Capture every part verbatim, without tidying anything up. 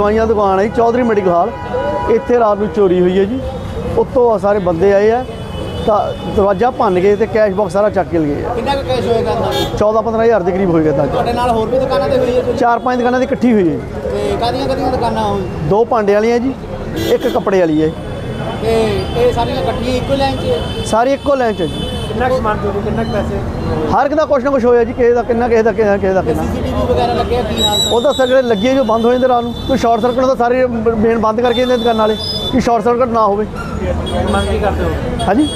दवाइयां दुकान है जी, चौधरी मेडिकल हॉल। इत्थे रात को चोरी हुई है जी। उत्तों सारे बंदे आए हैं, दरवाजा भन गए तो कैश बॉक्स सारा चक के ले गए। चौदह पंद्रह हज़ार के करीब होएगा। चार पाँच दुकानों की इकट्ठी हुई है। दो भांडे वाली है जी, एक कपड़े वाली है। सारी इक्को लाइन च जी। हर किसी का कुछ ना कुछ होया जी, किसी का कितना, किसी का किसी किसी का कितना। वो दस जो लगे जो बंद हो जाते रात को, कोई शॉर्ट सर्किट तो सारे मेन बंद करके देते दुकान वाले कि शॉर्ट सर्किट ना हो। हाँ जी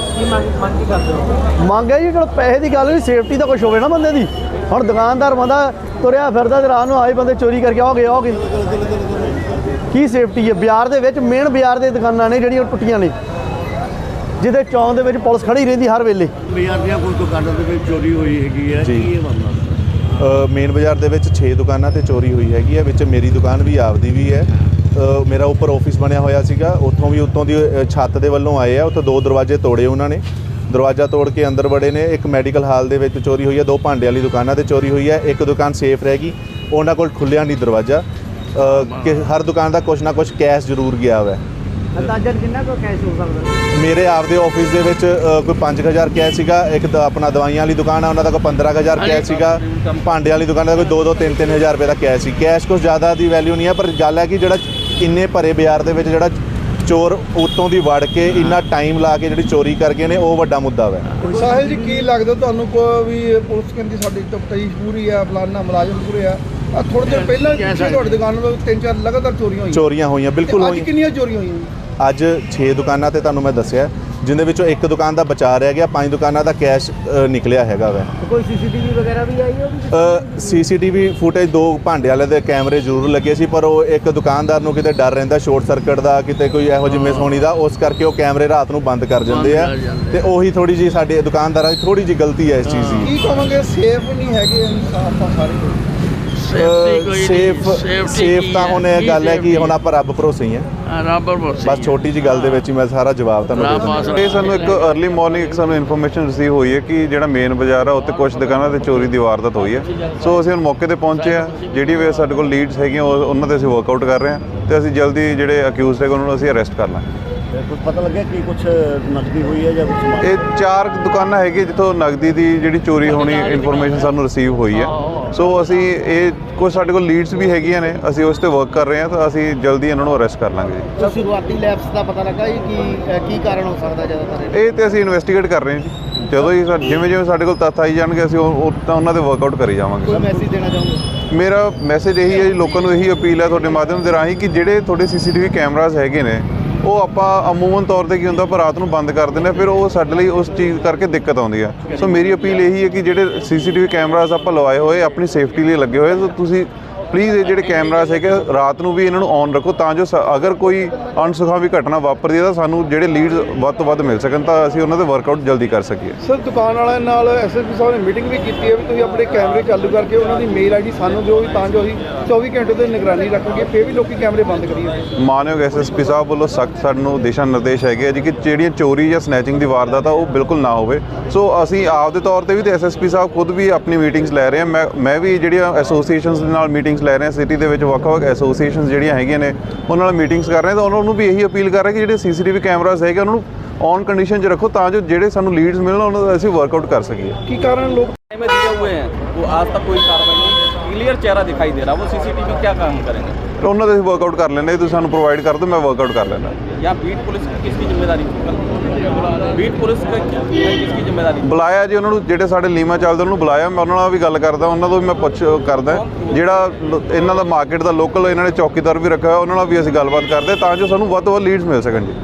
मंग है जी, जो पैसे की गल नहीं, सेफ्टी तो कुछ हो ना बंदे की। हम दुकानदार बंदा तुरया फिरदा रात को आए बंदे चोरी करके आ गए आ गए की सेफ्टी है। बाजार के मेन बाजार के दुकाना ने ਜਿਹੜੀਆਂ ਟੁੱਟੀਆਂ ने, ਜਿਹਦੇ ਚੌਂਕ ਦੇ ਵਿੱਚ ਪੁਲਿਸ ਖੜੀ ਰਹਿੰਦੀ ਹਰ ਵੇਲੇ। ਬਾਜ਼ਾਰ ਦੀਆਂ ਕੋਈ ਦੁਕਾਨਾਂ ਦੇ ਵਿੱਚ ਚੋਰੀ ਹੋਈ ਹੈਗੀ ਹੈ, ਕੀ ਇਹ ਮਾਮਲਾ? ਮੇਨ ਬਾਜ਼ਾਰ ਦੇ ਵਿੱਚ ਛੇ ਦੁਕਾਨਾਂ ਤੇ ਚੋਰੀ ਹੋਈ ਹੈਗੀ ਹੈ। ਵਿੱਚ ਮੇਰੀ ਦੁਕਾਨ ਵੀ ਆਪਦੀ ਵੀ ਹੈ। ਮੇਰਾ ਉੱਪਰ ਆਫਿਸ ਬਣਿਆ ਹੋਇਆ ਸੀਗਾ, ਉੱਥੋਂ ਵੀ ਉੱਤੋਂ ਦੀ ਛੱਤ ਦੇ ਵੱਲੋਂ ਆਏ ਆ। ਉੱਥੇ ਦੋ ਦਰਵਾਜ਼ੇ ਤੋੜੇ ਉਹਨਾਂ ਨੇ, ਦਰਵਾਜ਼ਾ ਤੋੜ ਕੇ ਅੰਦਰ ਵੜੇ ਨੇ। ਇੱਕ ਮੈਡੀਕਲ ਹਾਲ ਦੇ ਵਿੱਚ ਚੋਰੀ ਹੋਈ ਹੈ, ਦੋ ਭਾਂਡੇ ਵਾਲੀ ਦੁਕਾਨਾਂ ਤੇ ਚੋਰੀ ਹੋਈ ਹੈ। ਇੱਕ ਦੁਕਾਨ ਸੇਫ ਰਹਿ ਗਈ, ਉਹਨਾਂ ਕੋਲ ਖੁੱਲਿਆ ਨਹੀਂ ਦਰਵਾਜ਼ਾ। ਕਿ ਹਰ ਦੁਕਾਨ ਦਾ ਕੁਛ ਨਾ ਕੁਛ ਕੈਸ਼ ਜ਼ਰੂਰ ਗਿਆ ਹੋਇਆ। ਅੰਦਾਜ਼ਨ ਕਿੰਨਾ ਕੁ ਕੈਸ਼ ਹੋ ਸਕਦਾ? ਮੇਰੇ ਆਪਦੇ ਆਫਿਸ ਦੇ ਵਿੱਚ ਕੋਈ ਪੰਜ ਹਜ਼ਾਰ ਕੈਸ਼ ਸੀਗਾ। ਇੱਕ ਤਾਂ ਆਪਣਾ ਦਵਾਈਆਂ ਵਾਲੀ ਦੁਕਾਨ ਆ, ਉਹਨਾਂ ਦਾ ਕੋਈ ਪੰਦਰਾਂ ਹਜ਼ਾਰ ਕੈਸ਼ ਸੀਗਾ। ਭਾਂਡੇ ਵਾਲੀ ਦੁਕਾਨ ਦਾ ਕੋਈ ਦੋ ਦੋ ਤਿੰਨ ਤਿੰਨ ਹਜ਼ਾਰ ਰੁਪਏ ਦਾ ਕੈਸ਼ ਸੀ। ਕੈਸ਼ ਕੁਛ ਜ਼ਿਆਦਾ ਦੀ ਵੈਲਿਊ ਨਹੀਂ ਹੈ, ਪਰ ਗੱਲ ਹੈ ਕਿ ਜਿਹੜਾ ਇੰਨੇ ਭਰੇ ਬਾਜ਼ਾਰ ਦੇ ਵਿੱਚ ਜਿਹੜਾ ਚੋਰ ਉੱਤੋਂ ਦੀ ਵੜ ਕੇ ਇੰਨਾ ਟਾਈਮ ਲਾ ਕੇ ਜਿਹੜੀ ਚੋਰੀ ਕਰ ਗਏ ਨੇ, ਉਹ ਵੱਡਾ ਮੁੱਦਾ ਹੈ। ਸਾਹਿਲ ਜੀ ਕੀ ਲੱਗਦਾ ਤੁਹਾਨੂੰ ਕੋਈ ਵੀ ਪੁਲਿਸ ਕਹਿੰਦੀ ਸਾਡੀ ਤਫਤੀਸ਼ ਪੂਰੀ ਆ, ਫਲਾਨਾ ਮੁਲਾਜ਼ਮ ਪੂਰੇ ਆ? ਥੋੜੇ ਦਿਨ ਪਹਿਲਾਂ ਤੁਹਾਡੀ ਦੁਕਾਨ ਤੋਂ ਤਿੰਨ ਚਾਰ ਲਗਾਤਾਰ ਚੋਰੀਆਂ ਹੋਈਆਂ ਚੋਰੀਆਂ ਹੋਈਆਂ ਬਿਲਕੁਲ ਹੋਈਆਂ। ਅੱਜ ਕਿੰਨੀਆਂ ਚੋਰੀਆਂ ਹੋਈਆਂ? ਅੱਜ ਛੇ ਦੁਕਾਨਾਂ ਤੇ ਤੁਹਾਨੂੰ ਮੈਂ ਦੱਸਿਆ, ਜਿੰਦੇ ਵਿੱਚੋਂ ਇੱਕ ਦੁਕਾਨ ਦਾ ਬਚਾ ਰਹਿ ਗਿਆ। ਪੰਜ ਦੁਕਾਨਾਂ ਦਾ ਕੈਸ਼ ਨਿਕਲਿਆ ਹੈਗਾ ਵੈ। ਕੋਈ ਸੀਸੀਟੀਵੀ ਵਗੈਰਾ ਵੀ ਆਈ ਹੈ? ਸੀਸੀਟੀਵੀ ਫੁਟੇਜ ਦੋ ਭਾਂਡੇ ਵਾਲੇ ਦੇ ਕੈਮਰੇ ਜ਼ਰੂਰ ਲੱਗੇ ਸੀ, ਪਰ ਉਹ ਇੱਕ ਦੁਕਾਨਦਾਰ ਨੂੰ ਕਿਤੇ ਡਰ ਰਹਿੰਦਾ ਸ਼ਾਰਟ ਸਰਕਟ ਦਾ, ਕਿਤੇ ਕੋਈ ਇਹੋ ਜਿਹੀ ਮਿਸ ਹੋਣੀ ਦਾ, ਉਸ ਕਰਕੇ ਉਹ ਕੈਮਰੇ ਰਾਤ ਨੂੰ ਬੰਦ ਕਰ ਜਾਂਦੇ ਆ। ਤੇ ਉਹੀ ਥੋੜੀ ਜਿਹੀ ਸਾਡੇ ਦੁਕਾਨਦਾਰਾਂ ਦੀ ਥੋੜੀ ਜਿਹੀ ਗਲਤੀ ਹੈ ਇਸ ਚੀਜ਼ ਦੀ। ਕੀ ਕਹਾਂਗੇ, ਸੇਫ ਨਹੀਂ ਹੈਗੇ ਇਨਸਾਫ ਆ ਸਾਰੇ? ਸੇਫ ਸੇਫ ਤਾਂ ਹੁਣ ਇਹ ਗੱਲ ਹੈ ਕਿ ਹੁਣ ਆਪਾਂ ਰੱਬ ਭਰੋਸੇ ਹੀ ਆ। ਰੱਬ ਭਰੋਸੇ ਬਸ ਛੋਟੀ ਜੀ ਗੱਲ ਦੇ ਵਿੱਚ ਹੀ ਮੈਂ ਸਾਰਾ ਜਵਾਬ ਤੁਹਾਨੂੰ ਦੇ ਦਿੰਦਾ। ਇਹ ਸਾਨੂੰ ਇੱਕ अर्ਲੀ ਮਾਰਨਿੰਗ ਇੱਕ ਸਾਨੂੰ ਇਨਫੋਰਮੇਸ਼ਨ ਰਿਸੀਵ ਹੋਈ ਹੈ ਕਿ ਜਿਹੜਾ ਮੇਨ ਬਾਜ਼ਾਰ ਆ ਉੱਥੇ ਕੁਝ ਦੁਕਾਨਾਂ ਤੇ ਚੋਰੀ ਦੀ ਵਾਰਦਾਤ ਹੋਈ ਹੈ। ਸੋ ਅਸੀਂ ਹੁਣ ਮੌਕੇ ਤੇ ਪਹੁੰਚੇ ਆ। ਜਿਹੜੀ ਵੀ ਸਾਡੇ ਕੋਲ ਲੀਡਸ ਹੈਗੀਆਂ ਉਹਨਾਂ ਤੇ ਅਸੀਂ ਵਰਕਆਊਟ ਕਰ ਰਹੇ ਹਾਂ ਤੇ ਅਸੀਂ ਜਲਦੀ ਜਿਹੜੇ ਅਕਿਊਜ਼ਡ ਹੈਗੇ ਉਹਨਾਂ ਨੂੰ ਅਸੀਂ ਅਰੈਸਟ ਕਰ ਲਾਂਗੇ। ਕੁਝ ਪਤਾ ਲੱਗਿਆ ਕਿ ਕੁਝ ਨਕਦੀ ਹੋਈ ਹੈ ਜਾਂ ਕੁਝ? ਇਹ ਚਾਰ ਦੁਕਾਨਾਂ ਹੈਗੀਆਂ ਜਿੱਥੋਂ ਨਕਦੀ ਦੀ ਜਿਹੜੀ ਚੋਰੀ ਹੋਣੀ ਇਨਫੋਰਮੇਸ਼ਨ ਸਾਨੂੰ ਰਿਸੀਵ ਹੋਈ ਹੈ। ਸੋ ਅਸੀਂ ਇਹ ਕੁਝ ਸਾਡੇ ਕੋਲ ਲੀਡਸ ਵੀ ਹੈਗੀਆਂ ਨੇ, ਅਸੀਂ ਉਸ ਤੇ ਵਰਕ ਕਰ ਰਹੇ ਹਾਂ ਤਾਂ ਅਸੀਂ ਜਲਦੀ ਇਹਨਾਂ ਨੂੰ ਅਰੈਸਟ ਕਰ ਲਾਂਗੇ ਜੀ। ਸ਼ੁਰੂਆਤੀ ਲੈਪਸ ਦਾ ਪਤਾ ਲੱਗਾ ਜੀ ਕਿ ਕੀ ਕਾਰਨ ਹੋ ਸਕਦਾ ਜ਼ਿਆਦਾਤਰ? ਇਹ ਤੇ ਅਸੀਂ ਇਨਵੈਸਟੀਗੇਟ ਕਰ ਰਹੇ ਹਾਂ ਜੀ। ਜਦੋਂ ਹੀ ਜਿਵੇਂ ਜਿਵੇਂ ਸਾਡੇ ਕੋਲ ਤੱਥ ਆਈ ਜਾਣਗੇ ਅਸੀਂ ਉਹ ਤਾਂ ਉਹਨਾਂ ਤੇ ਵਰਕਆਊਟ ਕਰੀ ਜਾਵਾਂਗੇ। ਕੋਈ ਮੈਸੇਜ ਦੇਣਾ ਚਾਹੋਗੇ? ਮੇਰਾ ਮੈਸੇਜ ਇਹੀ ਹੈ ਜੀ, ਲੋਕਾਂ ਨੂੰ ਇਹੀ ਅਪੀਲ ਹੈ ਤੁਹਾਡੇ ਮਾਧਿਅਮ ਦੇ ਰਾਹੀਂ ਕਿ ਜਿਹੜੇ ਤੁਹਾਡੇ ਸੀਸੀਟੀਵੀ ਕੈਮਰਾਜ਼ ਹੈਗੇ ਨੇ ਉਹ ਆਪਾਂ ਅਮੂਮਨ ਤੌਰ ਤੇ ਕੀ ਹੁੰਦਾ ਪਰ ਰਾਤ ਨੂੰ ਬੰਦ ਕਰ ਦਿੰਦੇ, ਫਿਰ ਉਹ ਸਾਡੇ ਲਈ ਉਸ ਚੀਜ਼ ਕਰਕੇ ਦਿੱਕਤ ਆਉਂਦੀ ਹੈ। ਸੋ ਮੇਰੀ ਅਪੀਲ ਇਹੀ ਹੈ ਕਿ ਜਿਹੜੇ ਸੀਸੀਟੀਵੀ ਕੈਮਰਾਜ਼ ਆਪਾਂ ਲਵਾਏ ਹੋਏ ਆਪਣੀ ਸੇਫਟੀ ਲਈ ਲੱਗੇ ਹੋਏ, ਤਾਂ ਤੁਸੀਂ ਪਲੀਜ਼ ਇਹ ਜਿਹੜੇ ਕੈਮਰਾਜ਼ ਹੈਗੇ ਰਾਤ ਨੂੰ ਵੀ ਇਹਨਾਂ ਨੂੰ ਔਨ ਰੱਖੋ ਤਾਂ ਜੋ ਅਗਰ ਕੋਈ ਅਣਸੁਖਾਵੀ ਘਟਨਾ ਵਾਪਰਦੀ ਹੈ ਤਾਂ ਸਾਨੂੰ ਜਿਹੜੇ ਲੀਡਸ ਵੱਧ ਤੋਂ ਵੱਧ ਮਿਲ ਸਕਣ ਤਾਂ ਅਸੀਂ ਉਹਨਾਂ ਦੇ ਵਰਕਆਊਟ ਜਲਦੀ ਕਰ ਸਕੀਏ। ਸਰ ਦੁਕਾਨ ਵਾਲਿਆਂ ਨਾਲ ਐਸਐਸਪੀ ਸਾਹਿਬ ਨੇ ਮੀਟਿੰਗ ਵੀ ਕੀਤੀ ਹੈ ਵੀ ਤੁਸੀਂ ਆਪਣੇ ਕੈਮਰੇ ਚਾਲੂ ਕਰਕੇ ਉਹਨਾਂ ਦੀ ਮੇਲ ਆਈਡੀ ਸਾਨੂੰ ਦਿਓ ਤਾਂ ਜੋ ਅਸੀਂ ਚੌਵੀ ਘੰਟੇ ਤੇ ਨਿਗਰਾਨੀ ਰੱਖਾਂਗੇ, ਫਿਰ ਵੀ ਲੋਕੀ ਕੈਮਰੇ ਬੰਦ ਕਰੀਏ। ਮਾਨਯੋਗ ਐਸਐਸਪੀ ਸਾਹਿਬ ਵੱਲੋਂ ਸਖਤ ਸਾਨੂੰ ਦਿਸ਼ਾ ਨਿਰਦੇਸ਼ ਹੈਗੇ ਆ ਜੀ ਕਿ ਜਿਹੜੀਆਂ ਚੋਰੀ ਜਾਂ ਸਨੈਚਿੰਗ ਦੀ ਵਾਰਦਾਤ ਆ ਉਹ ਬਿਲਕੁਲ ਨਾ ਹੋਵੇ। ਸੋ ਅਸੀਂ ਆਪ ਦੇ ਤੌਰ ਤੇ ਵੀ ਤੇ ਐਸਐਸਪੀ ਸਾਹਿਬ ਖੁਦ ਵੀ ਆਪਣੀ ਮੀਟਿੰਗਸ ਲੈ ਰਹੇ ਆ। ਮੈਂ ਮੈਂ ਵੀ ਜਿਹੜੀਆਂ ਐਸੋਸੀਏਸ਼ਨਸ ਦੇ ਨਾਲ ਮੀਟਿੰਗਸ ਲੈ ਰਹੇ ਆ, ਸਿਟੀ ਦੇ ਵਿੱਚ ਵੱਖ-ਵੱਖ ਐਸੋਸੀਏਸ਼ਨਸ ਜਿਹੜੀਆਂ ਹੈਗੀਆਂ ਨੇ ਉਹਨਾਂ ਨਾਲ ਮੀਟਿੰਗਸ ਕਰ ਰਹੇ ਤਾਂ ਉਹਨਾਂ ਨੂੰ ਵੀ ਇਹੀ ਅਪੀਲ ਕਰ ਰਹੇ ਕਿ ਜਿਹੜੇ ਸੀਸੀਟੀਵੀ ਕੈਮਰਾਜ਼ ਹੈਗੇ ਉਹਨਾਂ ਨੂੰ ਔਨ ਕੰਡੀਸ਼ਨ 'ਚ ਰੱਖੋ ਤਾਂ ਜੋ ਜਿਹੜੇ ਸਾਨੂੰ ਲੀਡਸ ਮਿਲਣ ਉਹਨਾਂ ਦਾ ਅਸੀਂ ਵਰਕਆਊਟ ਕਰ ਸਕੀਏ। ਕੀ ਕਾਰਨ ਲੋਕ में दिए हुए हैं वो आज तक कोई कार्रवाई नहीं, क्लियर चेहरा दिखाई दे रहा, वो सीसीटीवी क्या काम करेंगे? ਉਹਨਾਂ ਦਾ ਅਸੀਂ ਵਰਕਆਊਟ ਕਰ ਲੈਂਦੇ, ਤੁਸੀਂ ਸਾਨੂੰ ਪ੍ਰੋਵਾਈਡ ਕਰ ਦਿਓ, ਮੈਂ ਵਰਕਆਊਟ ਕਰ ਲੈਂਦਾ। या बीट पुलिस की किसकी जिम्मेदारी? बीट पुलिस का किसकी जिम्मेदारी? ਬੁਲਾਇਆ ਜੀ ਉਹਨਾਂ ਨੂੰ, ਜਿਹੜੇ ਸਾਡੇ ਲੀਮਾ ਚੱਲਦੇ ਉਹਨਾਂ ਨੂੰ ਬੁਲਾਇਆ। ਮੈਂ ਉਹਨਾਂ ਨਾਲ ਵੀ ਗੱਲ ਕਰਦਾ, ਉਹਨਾਂ ਤੋਂ ਵੀ ਮੈਂ ਪੁੱਛ ਕਰਦਾ ਜਿਹੜਾ ਇਹਨਾਂ ਦਾ ਮਾਰਕੀਟ ਦਾ ਲੋਕਲ ਇਹਨਾਂ ਨੇ ਚੌਕੀਦਾਰ ਵੀ ਰੱਖਿਆ ਹੋਇਆ, ਉਹਨਾਂ ਨਾਲ ਵੀ ਅਸੀਂ ਗੱਲਬਾਤ ਕਰਦੇ ਤਾਂ ਜੋ ਸਾਨੂੰ ਵੱਧ ਤੋਂ ਵੱਧ ਲੀਡਸ ਮਿਲ ਸਕਣ ਜੀ।